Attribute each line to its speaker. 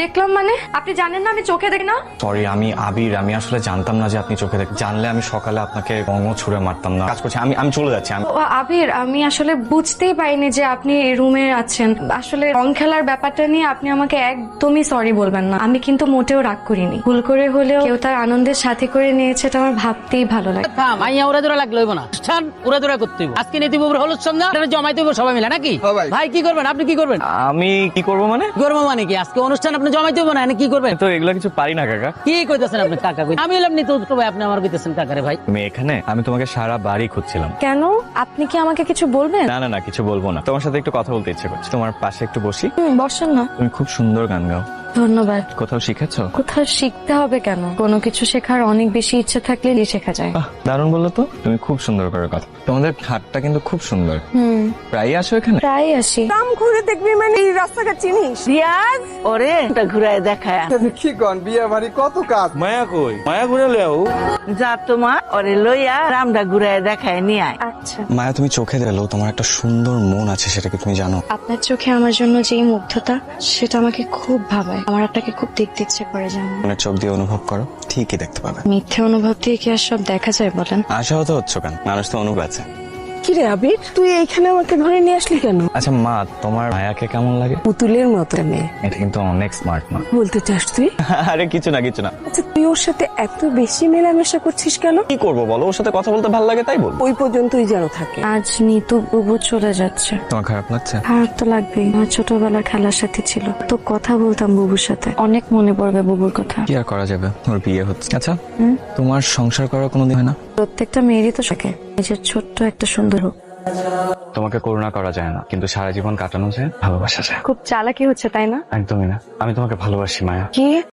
Speaker 1: দেখলাম মানে? আপনি জানেন না আমি চোখে দেখি না?
Speaker 2: সরি, আমি আবির। আমি আসলে জানতাম না যে আপনি চোখে দেখেন। জানলে আমি সকালে আপনাকে রঙও ছুঁড়ে মারতাম না। কাজ করছি, আমি চলে যাচ্ছি।
Speaker 1: ও আবির, আমি আসলে বুঝতেই পারিনি যে আপনি রুমে আছেন। আসলে রং খেলার ব্যাপারটা নিয়ে আপনি আমাকে একদমই সরি বলবেন না। আমি কিন্তু মোটেও রাগ করিনি। ভুল করে হলেও কেউ তার আনন্দের সাথে করে নিয়েছে, এটা আমার ভাবতেই ভালো লাগে।
Speaker 3: মাইয়া উড়া দৌড়া লাগলো না, স্থান উড়া দৌড়া করতে হইব। আজকে নীতি বাবুর হলুদ সন্ধ্যা জমাইতে হইব সবাই মিলে নাকি? ভাই কি করবেন আপনি? কি করবেন?
Speaker 2: আমি কি করবো মানে?
Speaker 3: করবো মানে কি? আজকে অনুষ্ঠান আপনি জমাইতে হইব না, কি করবেন?
Speaker 2: তো এগুলো কিছু পারি না কাকা।
Speaker 3: কি কইতেছেন আপনি কাকা? আমি এলাম নি তো ভাই, আপনি আমার কইতেছেন কাকারে ভাই।
Speaker 2: তুমি এখানে? আমি তোমাকে সারা বাড়ি খুঁজছিলাম।
Speaker 1: কেন? আপনি কি আমাকে কিছু বলবেন?
Speaker 2: না না না, কিছু বলবো না। তোমার সাথে একটু কথা বলতে ইচ্ছে করছে। তোমার পাশে একটু বসি?
Speaker 1: বসেন না।
Speaker 2: তুমি খুব সুন্দর গান গাও।
Speaker 1: ধন্যবাদ।
Speaker 2: কোথাও শিখেছো?
Speaker 1: কোথাও শিখতে হবে কেন? কোনো কিছু শেখার অনেক বেশি ইচ্ছে থাকলে শেখা যায়।
Speaker 2: দারুণ বললো তো। তুমি খুব সুন্দর করে কথা। তোমাদের হাটটা কিন্তু খুব সুন্দর। প্রায়ই আসো এখানে?
Speaker 1: প্রায় আসি।
Speaker 4: গ্রাম ঘুরে দেখবি মানে এই রাস্তাঘাট চিনিস?
Speaker 5: রিয়াজ ওরে এটা ঘুরায় দেখায়
Speaker 6: কি কন বিয়ে বাড়ি কত কাজ।
Speaker 7: মায়া কই? মায়া ঘুরে লেও।
Speaker 5: যা তোমা ওরে লইয়া রামটা ঘুরায় দেখায় নিয়ে আয়।
Speaker 1: আচ্ছা।
Speaker 2: মায়া, তুমি চোখে দিলো তোমার একটা সুন্দর মন আছে, সেটা কি তুমি জানো?
Speaker 1: আপনার চোখে আমার জন্য যেই মুগ্ধতা, সেটা আমাকে খুব ভাবায়। আমার আপনাকে খুব দেখতে ইচ্ছে করে, জানো?
Speaker 2: মনের চোখ দিয়ে অনুভব করো, ঠিকই দেখতে পাবে।
Speaker 1: মিথ্যে অনুভব দিয়ে কি আর সব দেখা যায় বলেন?
Speaker 2: আশাহত হচ্ছ কেন? মানুষ তো অনুভব আছে।
Speaker 4: কি রে আবির, তুই এইখানে আমাকে ধরে নিয়ে আসলি কেন?
Speaker 2: আচ্ছা মা, তোমার মায়াকে কেমন লাগে?
Speaker 4: পুতুলের মতো মেয়ে
Speaker 2: এটা কিন্তু অনেক স্মার্ট মা।
Speaker 4: বলতে চাস তুই?
Speaker 2: আরে কিছু না কিছু না।
Speaker 4: আচ্ছা তুই ওর সাথে এত বেশি মেলামেশা করছিস কেন?
Speaker 2: কি করবো বলো, ওর সাথে কথা বলতে ভালো লাগে তাই বল।
Speaker 4: ওই পর্যন্তই যেন থাকে।
Speaker 1: আজ নিতু বুবু চলে যাচ্ছে।
Speaker 2: তোমার খারাপ লাগছে?
Speaker 1: খারাপ তো লাগবেই। আমার ছোটবেলার খেলার সাথে ছিল, তো কথা বলতাম বুবুর সাথে। অনেক মনে পড়বে বুবুর কথা।
Speaker 2: কি আর করা যাবে, ওর বিয়ে হচ্ছে। আচ্ছা তোমার সংসার করার কোনোদিন হয় না?
Speaker 1: প্রত্যেকটা মেয়েরই তো থাকে নিজের ছোট্ট একটা সুন্দর হোক।
Speaker 2: তোমাকে করুণা করা যায় না, কিন্তু সারা জীবন কাটানো যায় ভালোবাসা যায়।
Speaker 1: খুব চালাকি হচ্ছে তাই না?
Speaker 2: একদমই না, আমি তোমাকে ভালোবাসি মায়া।
Speaker 1: কি?